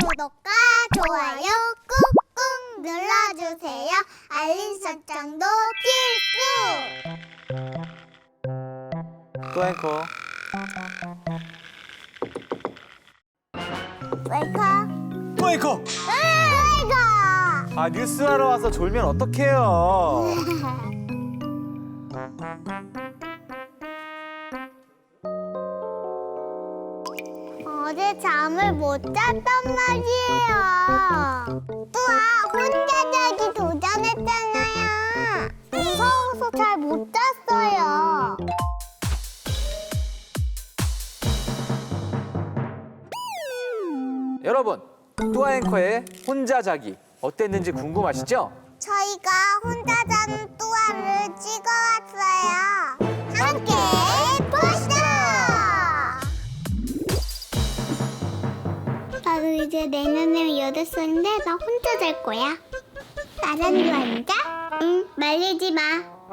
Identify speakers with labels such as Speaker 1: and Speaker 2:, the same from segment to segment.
Speaker 1: 구독과 좋아요 꾹꾹 눌러주세요. 알림 설정도 필수.
Speaker 2: 또 앵커.
Speaker 1: 웰컴.
Speaker 2: 또 앵커.
Speaker 1: 웰컴.
Speaker 2: 아, 뉴스하러 와서 졸면 어떡해요.
Speaker 1: 어제 잠을 못 잤단 말이에요. 또아 혼자 자기 도전했잖아요. 무서워서 잘 못 잤어요.
Speaker 2: 여러분, 뚜아 앵커의 혼자 자기 어땠는지 궁금하시죠?
Speaker 1: 저희가 혼자 자는 뚜아를 찍어왔어요. 함께 보시죠. 나도 이제 내년에 8살인데 나 혼자 잘 거야. 나란히 앉아? 응, 말리지 마.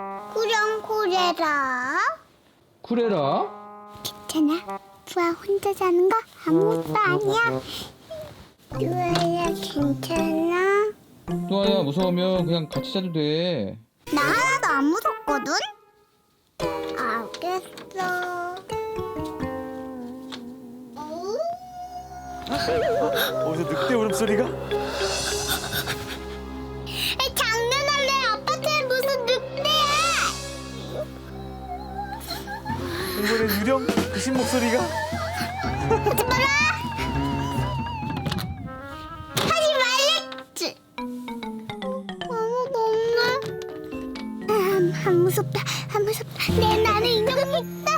Speaker 1: 쿠령코레라.
Speaker 3: 쿠레라?
Speaker 1: 괜찮아. 뚜아 혼자 자는 거 아무것도 아니야. 뚜아야 괜찮아?
Speaker 3: 뚜아야 무서우면 그냥 같이 자도 돼.
Speaker 1: 나 하나도 안 무섭거든? 알겠어.
Speaker 2: 어디서 늑대 울음소리가?
Speaker 1: 장난할래? 아빠한테 무슨 늑대야?
Speaker 2: 이번엔 유령 귀신 목소리가?
Speaker 1: 하지 마라! 하지 말랬지! 아무도 없네. 안 무섭다, 안 무섭다. 내 나는 인형이 있다.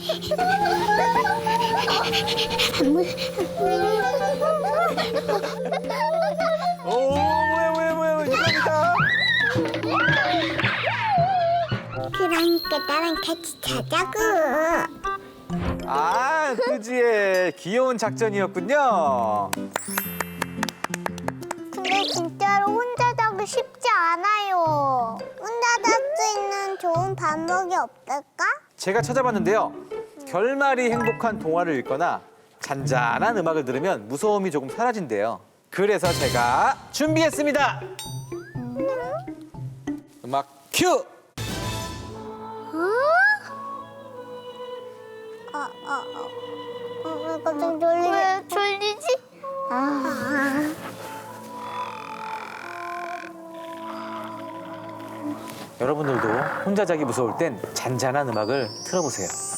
Speaker 1: 안
Speaker 2: 오, 뭐야, 유령이다.
Speaker 1: 그러니까 나랑 같이 자자고.
Speaker 2: 아, 뚜지의 귀여운 작전이었군요.
Speaker 1: 근데 진짜로 혼자 자기 쉽지 않아요. 혼자 잘 수 있는 좋은 방법이 없을까?
Speaker 2: 제가 찾아봤는데요. 결말이 행복한 동화를 읽거나 잔잔한 음악을 들으면 무서움이 조금 사라진대요. 그래서 제가 준비했습니다. 음악 큐!
Speaker 1: 갑자기 졸리지? 왜 졸리지?
Speaker 2: 여러분들도 혼자 자기 무서울 땐 잔잔한 음악을 틀어보세요.